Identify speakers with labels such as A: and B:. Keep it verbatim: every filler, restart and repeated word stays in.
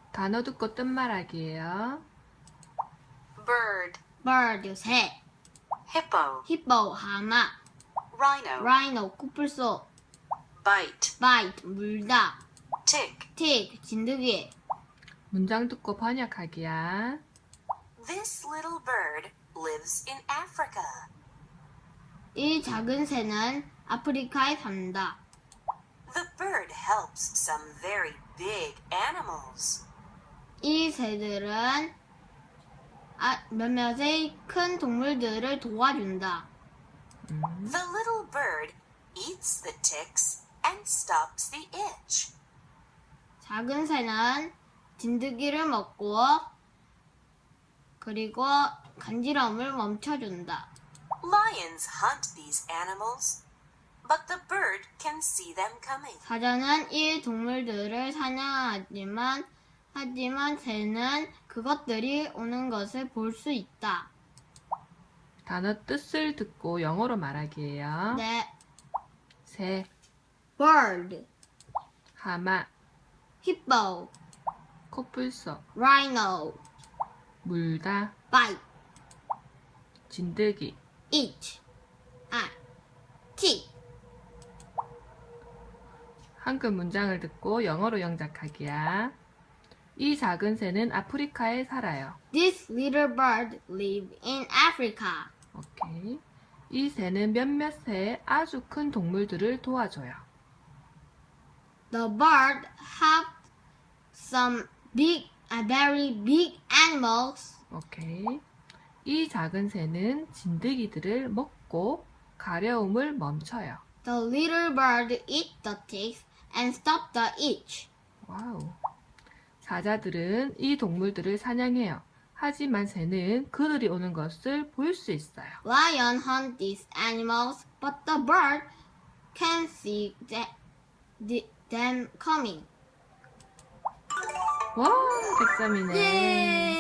A: 단어 듣고 뜻 말하기예요.
B: bird,
C: bird, 새,
B: hippo,
C: hippo, 하마,
B: rhino,
C: rhino, 코뿔소,
B: bite,
C: bite, 물다,
B: tick.
C: tick, 진드기.
A: 문장 듣고 번역하기야.
B: This little bird lives in Africa.
C: 이 작은 새는 아프리카에 산다.
B: The bird helps some very big animals.
C: 이 새들은 아, 몇몇의 큰 동물들을 도와준다.
A: 음.
B: The little bird eats the ticks and stops the itch.
C: 작은 새는 진드기를 먹고 그리고 간지러움을 멈춰준다.
B: Lions hunt these animals, but the bird can see them coming.
C: 사자는 이 동물들을 사냥하지만 하지만 새는 그것들이 오는 것을 볼 수 있다.
A: 단어 뜻을 듣고 영어로 말하기예요.
C: 네,
A: 새,
C: bird,
A: 하마,
C: hippo,
A: 코뿔소,
C: rhino,
A: 물다,
C: bite,
A: 진드기.
C: eat, 아, tick.
A: 한글 문장을 듣고 영어로 영작하기야. 이 작은 새는 아프리카에 살아요.
C: This little bird lives in Africa.
A: 오케이. 이 새는 몇몇 새의 아주 큰 동물들을 도와줘요.
C: The bird helped some big, uh, very big animals.
A: 오케이. 이 작은 새는 진드기들을 먹고 가려움을 멈춰요.
C: The little bird eat the ticks and stop the itch.
A: 와우. 사자들은 이 동물들을 사냥해요. 하지만 새는 그들이 오는 것을 볼 수 있어요.
C: Lion hunt these animals, but the bird can see the, the, them coming.
A: 와, 백 점이네.
C: 예!